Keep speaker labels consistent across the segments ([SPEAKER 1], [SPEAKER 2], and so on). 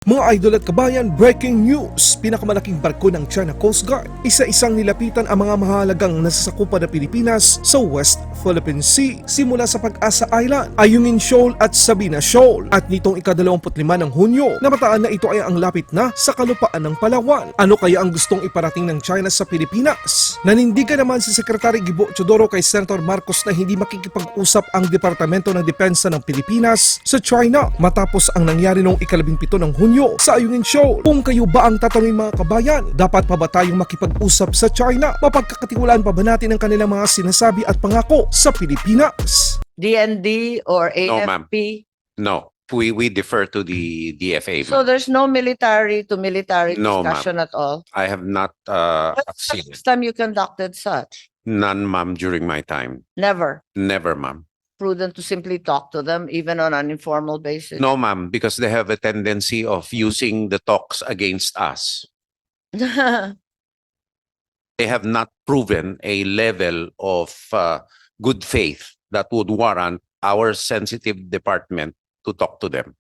[SPEAKER 1] Mga idol at kabayan, breaking news! Pinakamalaking barko ng China Coast Guard, isa-isang nilapitan ang mga mahalagang nasasakupan ng Pilipinas sa West Philippine Sea simula sa Pag-asa Island, Ayungin Shoal at Sabina Shoal. At nitong ika-25 ng Hunyo, namataan na ito ay ang lapit na sa kalupaan ng Palawan. Ano kaya ang gustong iparating ng China sa Pilipinas? Nanindigan naman si Secretary Gibo Teodoro kay Senator Marcos na hindi makikipag-usap ang Departamento ng Depensa ng Pilipinas sa China matapos ang nangyari noong ika-17 ng Hunyo sa Ayungin Shoal. Kung kayo ba ang tatanungin mga kabayan, dapat pa ba tayong makipag-usap sa China? Mapagkakatiwalaan pa ba natin ang kanilang mga sinasabi at pangako sa Pilipinas?
[SPEAKER 2] DND or
[SPEAKER 3] No, ma'am.
[SPEAKER 2] AFP?
[SPEAKER 3] No, we defer to the DFA.
[SPEAKER 2] So
[SPEAKER 3] ma'am.
[SPEAKER 2] there's no military to military
[SPEAKER 3] No, ma'am.
[SPEAKER 2] discussion at all?
[SPEAKER 3] I have not
[SPEAKER 2] When's the
[SPEAKER 3] seen
[SPEAKER 2] last time you conducted such?
[SPEAKER 3] none, ma'am, during my time.
[SPEAKER 2] Never.
[SPEAKER 3] Never, ma'am.
[SPEAKER 2] Prudent to simply talk to them even on an informal basis?
[SPEAKER 3] No, ma'am, because they have a tendency of using the talks against us. They have not proven a level of good faith that would warrant our sensitive department to talk to them.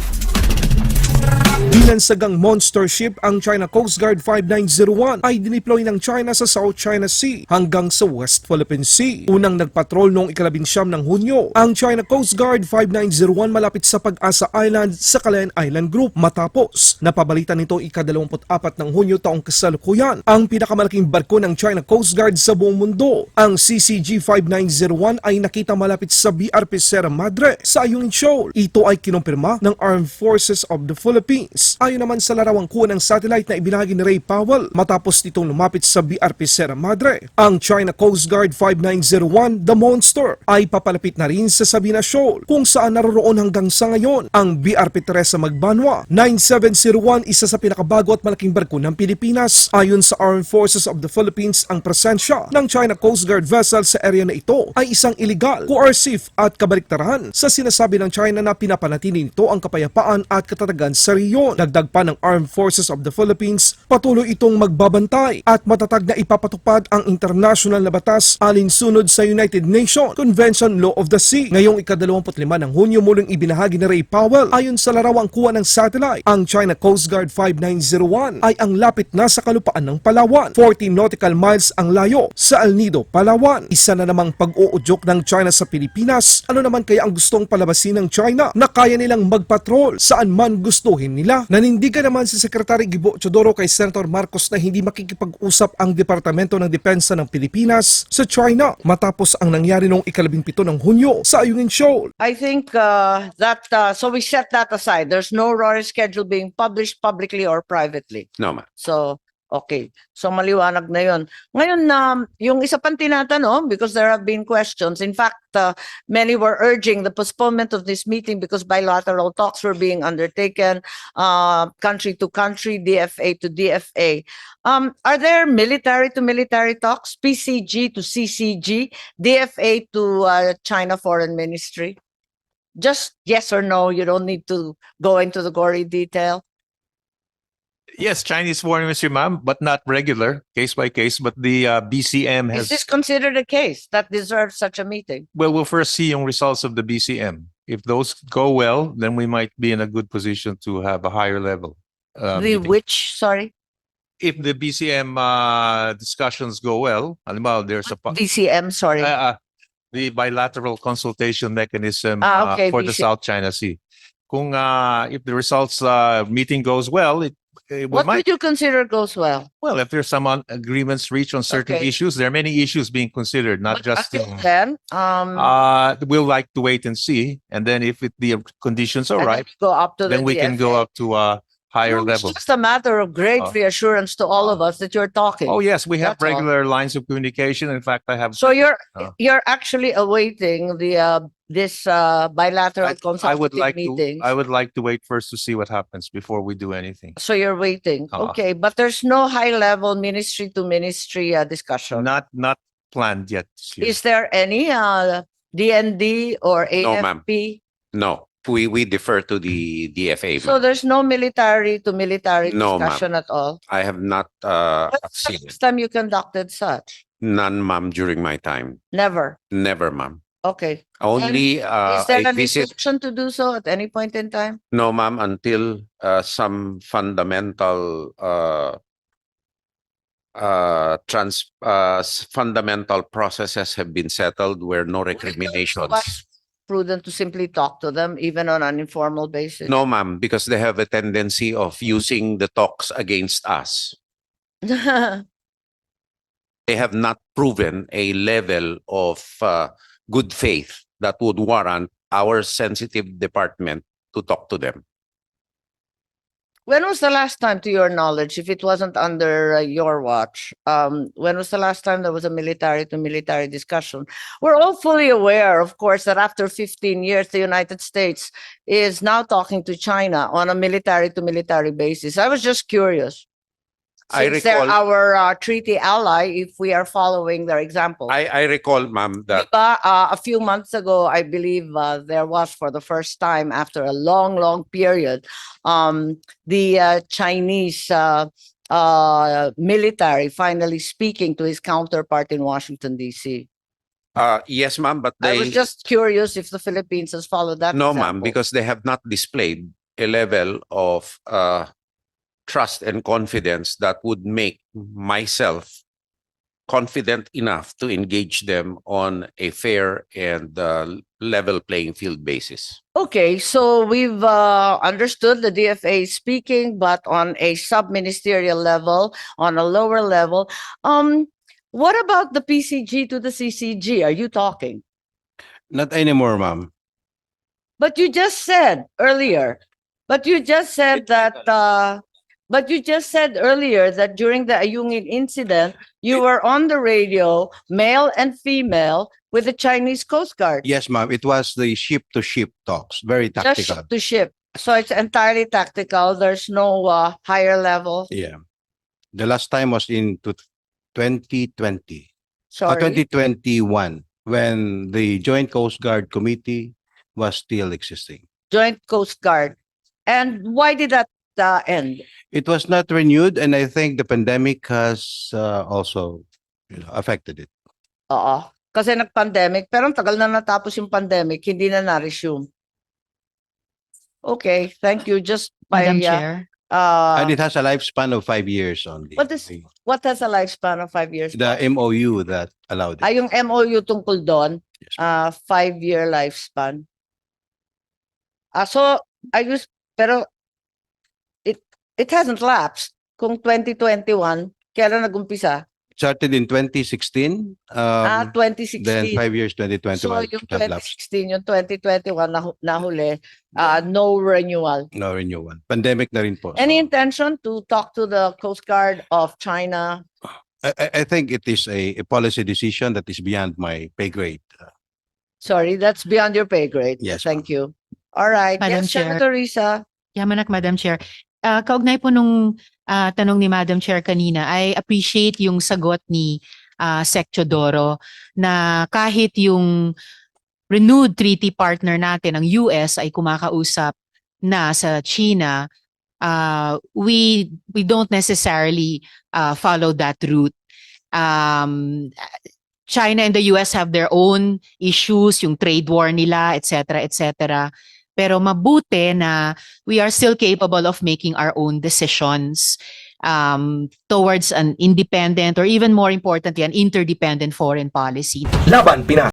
[SPEAKER 1] Binansagang monster ship ang China Coast Guard 5901 ay dineploy ng China sa South China Sea hanggang sa West Philippine Sea. Unang nagpatrol noong ika-19 ng Hunyo, ang China Coast Guard 5901 malapit sa Pag-asa Island sa Calayan Island Group matapos napabalitan nito ika-24 ng Hunyo taong kasalukuyan ang pinakamalaking barko ng China Coast Guard sa buong mundo. Ang CCG 5901 ay nakita malapit sa BRP Sierra Madre sa Ayungin Shoal. Ito ay kinumpirma ng Armed Forces of the Philippines. Ayon naman sa larawang kuha ng satellite na ibinahagi ni Ray Powell matapos nitong lumapit sa BRP Sierra Madre, ang China Coast Guard 5901, The Monster, ay papalapit na rin sa Sabina Shoal kung saan naroroon hanggang sa ngayon ang BRP Teresa Magbanwa 9701, isa sa pinakabago at malaking barko ng Pilipinas. Ayon sa Armed Forces of the Philippines, ang presensya ng China Coast Guard vessel sa area na ito ay isang illegal, coercive at kabaliktaran sa sinasabi ng China na pinapanatili nito ang kapayapaan at katatagan sa riyon. Dagdag pa ng Armed Forces of the Philippines, patuloy itong magbabantay at matatag na ipapatupad ang international na batas alinsunod sa United Nations Convention Law of the Sea. Ngayong ika-25 ng Hunyo muling ibinahagi ni Ray Powell, ayon sa larawang kuha ng satellite, ang China Coast Guard 5901 ay ang lapit na sa kalupaan ng Palawan. 40 nautical miles ang layo sa El Nido, Palawan. Isa na namang pag-uudyok ng China sa Pilipinas. Ano naman kaya ang gustong palabasin ng China na kaya nilang magpatrol saan man gustuhin nila? Nanindigan naman si Secretary Gibo Teodoro kay Senator Marcos na hindi makikipag-usap ang Departamento ng Depensa ng Pilipinas sa China matapos ang nangyari noong ika-17 ng Hunyo sa Ayungin Shoal.
[SPEAKER 2] I think so we set that aside. There's no RORE schedule being published publicly or privately.
[SPEAKER 3] No, ma'am.
[SPEAKER 2] So, okay. So maliwanag na yun. Ngayon na yung isa pang tinatanong, because there have been questions. In fact, many were urging the postponement of this meeting because bilateral talks were being undertaken, country to country, DFA to DFA. Are there military to military talks, PCG to CCG, DFA to China Foreign Ministry? Just yes or no. You don't need to go into the gory detail.
[SPEAKER 4] Yes, Chinese foreign ministry, ma'am, but not regular, case by case. But the BCM
[SPEAKER 2] Is
[SPEAKER 4] has.
[SPEAKER 2] this considered a case that deserves such a meeting?
[SPEAKER 4] Well, we'll first see yung results of the BCM. If those go well, then we might be in a good position to have a higher level.
[SPEAKER 2] The
[SPEAKER 4] meeting.
[SPEAKER 2] which, sorry,
[SPEAKER 4] If the BCM discussions go well, halimbawa, there's a
[SPEAKER 2] DCM, sorry.
[SPEAKER 4] the bilateral consultation mechanism
[SPEAKER 2] Okay,
[SPEAKER 4] for the
[SPEAKER 2] BCM.
[SPEAKER 4] South China Sea. Kung if the results meeting goes well, we
[SPEAKER 2] What
[SPEAKER 4] might.
[SPEAKER 2] would you consider goes well?
[SPEAKER 4] Well, if there's some agreements reached on certain
[SPEAKER 2] Okay.
[SPEAKER 4] issues, there are many issues being considered, not
[SPEAKER 2] But
[SPEAKER 4] just.
[SPEAKER 2] until then,
[SPEAKER 4] We'll like to wait and see, and then if the conditions are
[SPEAKER 2] and then
[SPEAKER 4] right,
[SPEAKER 2] we go up to the
[SPEAKER 4] then we can go
[SPEAKER 2] DFA.
[SPEAKER 4] up to a higher
[SPEAKER 2] No,
[SPEAKER 4] level.
[SPEAKER 2] It's just a matter of great
[SPEAKER 4] Oh.
[SPEAKER 2] reassurance to all of us that you're talking.
[SPEAKER 4] Oh yes, we have
[SPEAKER 2] That's all.
[SPEAKER 4] regular lines of communication. In fact, I have.
[SPEAKER 2] So you're
[SPEAKER 4] Oh.
[SPEAKER 2] you're actually awaiting the this bilateral
[SPEAKER 4] I would
[SPEAKER 2] consultative
[SPEAKER 4] like to.
[SPEAKER 2] meetings.
[SPEAKER 4] I would like to wait first to see what happens before we do anything.
[SPEAKER 2] So you're waiting.
[SPEAKER 4] Uh-uh.
[SPEAKER 2] Okay, but there's no high level ministry to ministry discussion.
[SPEAKER 4] Not planned yet. this year.
[SPEAKER 2] Is there any DND or
[SPEAKER 3] No, ma'am.
[SPEAKER 2] AFP?
[SPEAKER 3] No, we defer to the DFA.
[SPEAKER 2] So
[SPEAKER 3] ma'am.
[SPEAKER 2] there's no military to military
[SPEAKER 3] No, ma'am.
[SPEAKER 2] discussion at all?
[SPEAKER 3] I have not
[SPEAKER 2] When's the
[SPEAKER 3] seen
[SPEAKER 2] last time you conducted such?
[SPEAKER 3] none, ma'am, during my time.
[SPEAKER 2] Never.
[SPEAKER 3] Never, ma'am.
[SPEAKER 2] Okay.
[SPEAKER 3] Only
[SPEAKER 2] Is there
[SPEAKER 3] a
[SPEAKER 2] an
[SPEAKER 3] visit.
[SPEAKER 2] instruction to do so at any point in time?
[SPEAKER 3] No, ma'am, until some fundamental fundamental processes have been settled where no recriminations.
[SPEAKER 2] What's prudent to simply talk to them, even on an informal basis?
[SPEAKER 3] No, ma'am, because they have a tendency of using the talks against us. They have not proven a level of good faith that would warrant our sensitive department to talk to them.
[SPEAKER 2] When was the last time, to your knowledge, if it wasn't under your watch, when was the last time there was a military to military discussion? We're all fully aware, of course, that after 15 years, the United States is now talking to China on a military to military basis. I was just curious.
[SPEAKER 3] I
[SPEAKER 2] Since they're
[SPEAKER 3] recall-
[SPEAKER 2] our treaty ally, if we are following their example.
[SPEAKER 3] I recall, ma'am, that
[SPEAKER 2] Diba, a few months ago, I believe there was for the first time after a long, long period, the Chinese military finally speaking to his counterpart in Washington, D.C.
[SPEAKER 3] yes, ma'am, but
[SPEAKER 2] I
[SPEAKER 3] they
[SPEAKER 2] was just curious if the Philippines has followed that
[SPEAKER 3] no, ma'am,
[SPEAKER 2] example.
[SPEAKER 3] because they have not displayed a level of trust and confidence that would make myself confident enough to engage them on a fair and level playing field basis.
[SPEAKER 2] Okay, so we've understood the DFA is speaking, but on a sub-ministerial level, on a lower level. What about the PCG to the CCG? Are you talking?
[SPEAKER 5] Not anymore, ma'am.
[SPEAKER 2] But you just said earlier, but you just said earlier that during the Ayungin incident, you were on the radio, male and female, with the Chinese Coast Guard.
[SPEAKER 5] Yes, ma'am. It was the ship-to-ship talks. Very
[SPEAKER 2] Just
[SPEAKER 5] tactical.
[SPEAKER 2] ship to ship. So it's entirely tactical. There's no higher level.
[SPEAKER 5] Yeah. The last time was in 2020.
[SPEAKER 2] Sorry.
[SPEAKER 5] 2021, when the Joint Coast Guard Committee was still existing.
[SPEAKER 2] Joint Coast Guard. And why did that end?
[SPEAKER 5] It was not renewed, and I think the pandemic has also affected it.
[SPEAKER 2] Oo. Kasi nag-pandemic, pero ang tagal na natapos yung pandemic, hindi na na-resume. Okay, thank you. Just by,
[SPEAKER 6] Madam Chair,
[SPEAKER 5] And it has a lifespan of 5 years only.
[SPEAKER 2] What is- what has a lifespan of 5 years?
[SPEAKER 5] The MOU that allowed it?
[SPEAKER 2] Ay, yung MOU tungkol doon,
[SPEAKER 5] Yes,
[SPEAKER 2] 5-year lifespan. So, pero it hasn't lapsed. Kung 2021, kailan nag-umpisa?
[SPEAKER 5] Started in 2016. Then
[SPEAKER 2] 2016.
[SPEAKER 5] 5 years, 2021.
[SPEAKER 2] So, yung
[SPEAKER 5] should have lapsed.
[SPEAKER 2] 2016, yung 2021 nahuli, no renewal.
[SPEAKER 5] No renewal. Pandemic na rin po.
[SPEAKER 2] Any
[SPEAKER 5] So,
[SPEAKER 2] intention to talk to the Coast Guard of China?
[SPEAKER 5] I think it is a policy decision that is beyond my pay grade.
[SPEAKER 2] Sorry, that's beyond your pay grade.
[SPEAKER 5] Yes,
[SPEAKER 2] Thank you. All right.
[SPEAKER 6] Madam
[SPEAKER 2] Yes,
[SPEAKER 6] Chair.
[SPEAKER 2] Senator Risa.
[SPEAKER 6] Yamanak, Madam Chair. Kaugnay po nung tanong ni Madam Chair kanina, I appreciate yung sagot ni Sec Teodoro na kahit yung renewed treaty partner natin, ang US, ay kumakausap na sa China, we don't necessarily follow that route. China and the US have their own issues, yung trade war nila, etc., etc. Pero mabuti na we are still capable of making our own decisions towards an independent or even more importantly, an interdependent foreign policy.
[SPEAKER 1] Laban Pinas.